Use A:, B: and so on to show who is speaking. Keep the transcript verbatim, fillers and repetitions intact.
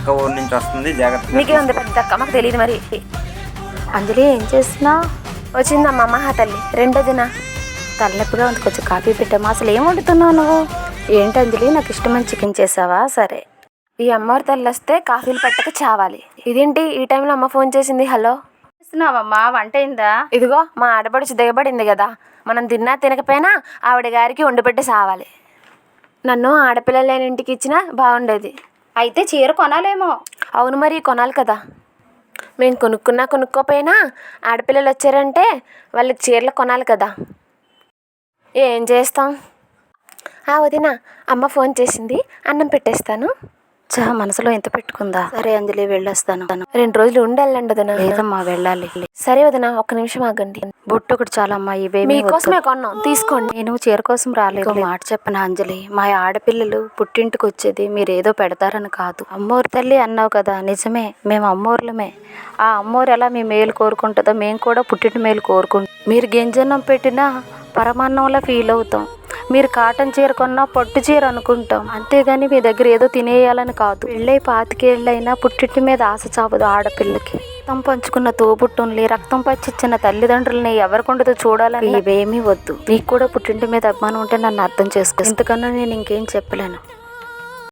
A: పక్క ఊరు నుంచి వస్తుంది, జాగ్రత్త.
B: మీకే ఉంది పెద్ద అక్క, మాకు తెలియదు మరి.
C: అంజలి ఏం చేస్తున్నావు?
B: వచ్చిందమ్మా మహా తల్లి రెండో దిన.
C: తలనొప్పిగా ఉంది, కొంచెం కాఫీ పెట్టామా. అసలు ఏం వండుతున్నావు నువ్వు? ఏంటి అంజలి, నాకు ఇష్టమైన చికెన్ చేసావా? సరే.
B: ఈ అమ్మవారి తల్లి వస్తే కాఫీలు పెట్టక చావాలి. ఇదేంటి ఈ టైంలో అమ్మ ఫోన్ చేసింది? హలో
C: చేస్తున్నావమ్మా, వంట అయిందా?
B: ఇదిగో మా ఆడపడుచు దిగబడింది కదా, మనం తిన్నా తినకపోయినా ఆవిడ గారికి వండిపెట్టి సావాలి. నన్ను ఆడపిల్లలు లేని ఇంటికి ఇచ్చినా బాగుండేది.
C: అయితే చీర కొనాలేమో.
B: అవును మరి కొనాలి కదా. మేము కొనుక్కున్నా కొనుక్కోపోయినా ఆడపిల్లలు వచ్చారంటే వాళ్ళకి చీరలు కొనాలి కదా. ఏం చేస్తాం. ఆ వదిన, అమ్మ ఫోన్ చేసింది, అన్నం పెట్టేస్తాను.
C: చా, మనసులో ఎంత పెట్టుకుందా. సరే అంజలి, వెళ్ళొస్తాను.
B: రెండు రోజులు ఉండి వెళ్ళండి వదిన.
C: లేదమ్మా, వెళ్ళాలి.
B: సరే వదిన, ఒక్క నిమిషం ఆగండి.
C: బొట్టు ఒకటి చాలమ్మా, ఇవే
B: మీకోసమే కొన్నాం, తీసుకోండి.
C: నేను చీర కోసం రాలేదు. మాట చెప్పను అంజలి, మా ఆడపిల్లలు పుట్టింటికి వచ్చేది మీరు ఏదో పెడతారని కాదు. అమ్మోరు తల్లి అన్నావు కదా, నిజమే, మేము అమ్మోర్లమే. ఆ అమ్మోరు ఎలా మీ మేలు కోరుకుంటుందో మేము కూడా పుట్టింటి మేలు కోరుకుంటాం. మీరు గింజన్నం పెట్టినా పరమాన్నంలా ఫీల్ అవుతాం. మీరు కాటన్ చీర కొన్నా పట్టు చీర అనుకుంటాం, అంతేగాని మీ దగ్గర ఏదో తినేయాలని కాదు. పెళ్ళై పాతికేళ్ళైనా పుట్టింటి మీద ఆశ చావదు ఆడపిల్లకి. రక్తం పంచుకున్న తోబుట్టుల్ని, రక్తం పచ్చిచ్చిన తల్లిదండ్రులని ఎవరికొండదో చూడాలని ఇవేమీ వద్దు. నీకు కూడా పుట్టింటి మీద అభిమానం ఉంటే నన్ను అర్థం చేసుకో. ఇంతకన్నా నేను ఇంకేం చెప్పలేను.